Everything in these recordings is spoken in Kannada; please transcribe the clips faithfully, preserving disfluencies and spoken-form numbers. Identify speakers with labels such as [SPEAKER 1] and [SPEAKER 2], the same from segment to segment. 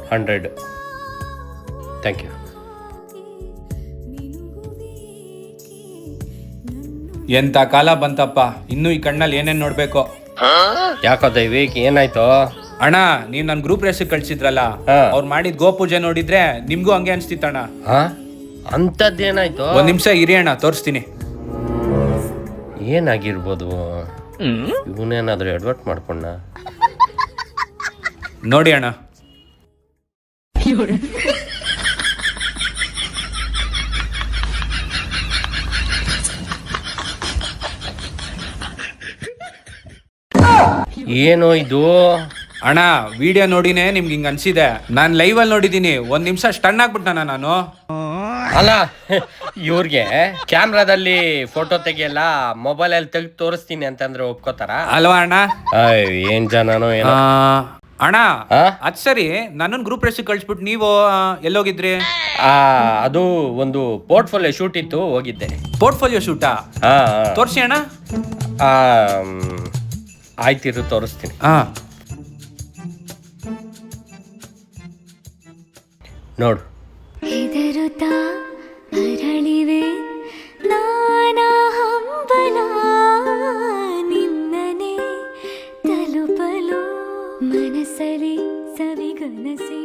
[SPEAKER 1] ಹಂಡ್ರೆಡ್. Thank you.
[SPEAKER 2] ಎಂತ ಕಾಲ ಬಂತಪ್ಪ, ಇನ್ನು ಈ ಕಣ್ಣಲ್ಲಿ ಏನೇನ್ ನೋಡ್ಬೇಕು.
[SPEAKER 1] ಯಾಕೋ ದೈವಿಕ್ ಏನಾಯ್ತು?
[SPEAKER 2] ಅಣ್ಣ, ನೀವ್ ನನ್ ಗ್ರೂಪ್ ರೇಸಿಗೆ ಕಳ್ಸಿದ್ರಲ್ಲ, ಅವ್ರು ಮಾಡಿದ್ ಗೋಪೂಜೆ ನೋಡಿದ್ರೆ ನಿಮ್ಗೂ ಹಂಗೆ ಅನ್ಸ್ತಿತ್ತಣ್ಣ.
[SPEAKER 1] ಅಂತದ್ದೇನಾಯ್ತು?
[SPEAKER 2] ಒಂದ್ ನಿಮಿಷ ಇರಿ ಅಣ್ಣ, ತೋರಿಸ್ತೀನಿ.
[SPEAKER 1] ಏನಾಗಿರ್ಬೋದು? ಇವನೇನಾದ್ರೂ ಅಡ್ವರ್ಟ್ ಮಾಡ್ಕೊಂಡ
[SPEAKER 2] ನೋಡಿ ಅಣ್ಣ.
[SPEAKER 1] ಏನೋ ಇದು?
[SPEAKER 2] ಅಣ್ಣ, ವಿಡಿಯೋ ನೋಡಿನೇ ನಿಮ್ಗೆ ಹಿಂಗ ಅನ್ಸಿದೆ. ನಾನ್ ಲೈವ್ ಅಲ್ಲಿ ನೋಡಿದೀನಿ. ಒಂದ್ ನಿಮಿಷ ಸ್ಟನ್ ಆಗ್ಬಿಟ್ಟಾನ ನಾನು.
[SPEAKER 1] ಅಲ್ಲ, ಇವ್ರಿಗೆ ಕ್ಯಾಮ್ರಾದಲ್ಲಿ ಫೋಟೋ ತೆಗಿಯಲ್ಲ, ಮೊಬೈಲ್ ಅಲ್ಲಿ ತೆಗ್ದು ತೋರಿಸ್ತೀನಿ ಅಂತಂದ್ರೆ ಒಪ್ಕೋತಾರ
[SPEAKER 2] ಅಲ್ವಾ ಅಣ್ಣ?
[SPEAKER 1] ಏನ್ ಜನನೋ ಏನೋ.
[SPEAKER 2] ಅಣ್ಣ ಅದ್ ಸರಿ, ನನ್ನನ್ ಗ್ರೂಪ್ ರೇಸಿಗೆ ಕಳ್ಸ್ಬಿಟ್ಟು ನೀವು ಎಲ್ಲೋಗಿದ್ರಿ?
[SPEAKER 1] ಅದು ಒಂದು ಪೋರ್ಟ್ಫೋಲಿಯೋ ಶೂಟ್ ಇತ್ತು, ಹೋಗಿದ್ದೆ.
[SPEAKER 2] ಪೋರ್ಟ್ಫೋಲಿಯೋ ಶೂಟಾ? ತೋರ್ಸಿ ಅಣ್ಣ.
[SPEAKER 1] ಆಯ್ತಿರು, ತೋರಿಸ್ತೀನಿ. ನೋಡು.
[SPEAKER 3] ಹೆದರುತ್ತಾ ಅರಳಿವೆ ನಾನಾ ಹಂಬಲ, ನಿನ್ನನೆ ತಲುಪಲು ಮನಸ್ಸಲ್ಲಿ ಸವಿಗನಸಿನ.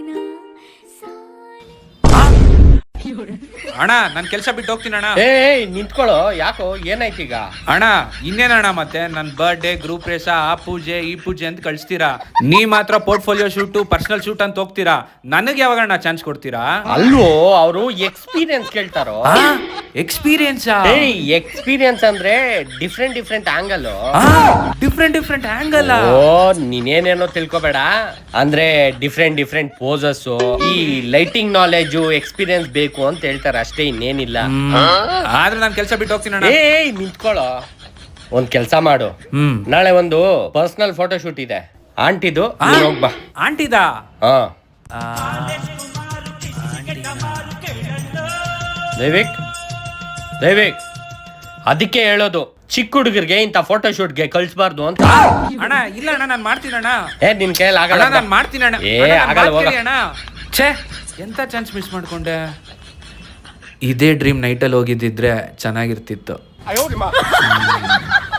[SPEAKER 2] ಅಣ್ಣ, ನನ್ ಕೆಲ್ಸ ಬಿಟ್ಟು ಹೋಗ್ತೀನಿ ಅಣ್ಣ.
[SPEAKER 1] ಏ ನಿಂತ್ಕೊಳ್ಳೋ, ಯಾಕೋ ಏನಾಯ್ತು ಈಗ?
[SPEAKER 2] ಅಣ್ಣ ಇನ್ನೇನಣ್ಣ, ಮತ್ತೆ ನನ್ ಬರ್ಡೇ, ಗ್ರೂಪ್ ರೇಸ, ಆ ಪೂಜೆ ಈ ಪೂಜೆ ಅಂತ ಕಳಿಸ್ತೀರಾ. ನೀ ಮಾತ್ರ ಪೋರ್ಟ್ಫೋಲಿಯೋ ಶೂಟ್, ಪರ್ಸನಲ್ ಶೂಟ್ ಅಂತ ಹೋಗ್ತೀರಾ. ನನಗೆ ಯಾವಾಗಣ್ಣ ಚಾನ್ಸ್ ಕೊಡ್ತೀರಾ?
[SPEAKER 1] ಅಲ್ವೋ, ಅವರು ಎಕ್ಸ್ಪೀರಿಯನ್ಸ್ ಕೇಳ್ತಾರೋ.
[SPEAKER 2] ಎಕ್ಸ್ಪೀರಿಯನ್ಸ್?
[SPEAKER 1] ಎಕ್ಸ್ಪೀರಿಯನ್ಸ್ ಅಂದ್ರೆ different different angle.
[SPEAKER 2] Different different angle?
[SPEAKER 1] ಓ, ನೀನೇನೇನೋ ತಿಳ್ಕೊಬೇಡ. ಅಂದ್ರೆ ಡಿಫ್ರೆಂಟ್ ಡಿಫ್ರೆಂಟ್ ಪೋಸಸ್, ಈ ಲೈಟಿಂಗ್ ನಾಲೆಜ್, ಎಕ್ಸ್ಪೀರಿಯನ್ಸ್ ಬೇಕು ಅಂತ ಹೇಳ್ತಾರೆ, ಅಷ್ಟೇ, ಇನ್ನೇನಿಲ್ಲ.
[SPEAKER 2] ಆದ್ರೆ ನಾನು ಕೆಲಸ ಬಿಟ್ಟು ಹೋಗ್ತೀನಿ ಅಣ್ಣ.
[SPEAKER 1] ಏ ನಿಂತ್ಕೊಳ್ಳೋ, ಒಂದ್ ಕೆಲ್ಸ ಮಾಡು. ನಾಳೆ ಒಂದು ಪರ್ಸನಲ್ ಫೋಟೋ ಶೂಟ್ ಇದೆ ಆಂಟಿದು, ಹೋಗ್ಬಾ.
[SPEAKER 2] ಆಂಟಿದಾ?
[SPEAKER 1] ಹಾ. ದೈವಿಕ್ ದೈವಿಕ್ ಅದಕ್ಕೆ ಹೇಳೋದು, ಚಿಕ್ಕ ಹುಡುಗರಿಗೆ ಇಂಥ ಫೋಟೋ ಶೂಟ್ಗೆ ಕಳ್ಸಬಾರ್ದು ಅಂತ.
[SPEAKER 2] ಅಣ್ಣ ಇಲ್ಲ ಅಣ್ಣ, ನಾನು ಮಾಡ್ತೀನಿ ಅಣ್ಣ.
[SPEAKER 1] ಏ ನಿನ್ ಕೈಯಲ್ಲಿ ಆಗಲ್ಲ.
[SPEAKER 2] ನಾನು ಮಾಡ್ತೀನಿ ಅಣ್ಣ.
[SPEAKER 1] ಏ ಆಗಲ್ಲ, ಹೋಗ
[SPEAKER 2] ಅಣ್ಣ. ಛೇ, ಎಂತ ಚಾನ್ಸ್ ಮಿಸ್ ಮಾಡ್ಕೊಂಡೆ. ಇದೇ ಡ್ರೀಮ್ ನೈಟಲ್ಲಿ ಹೋಗಿದ್ದಿದ್ರೆ ಚೆನ್ನಾಗಿರ್ತಿತ್ತು.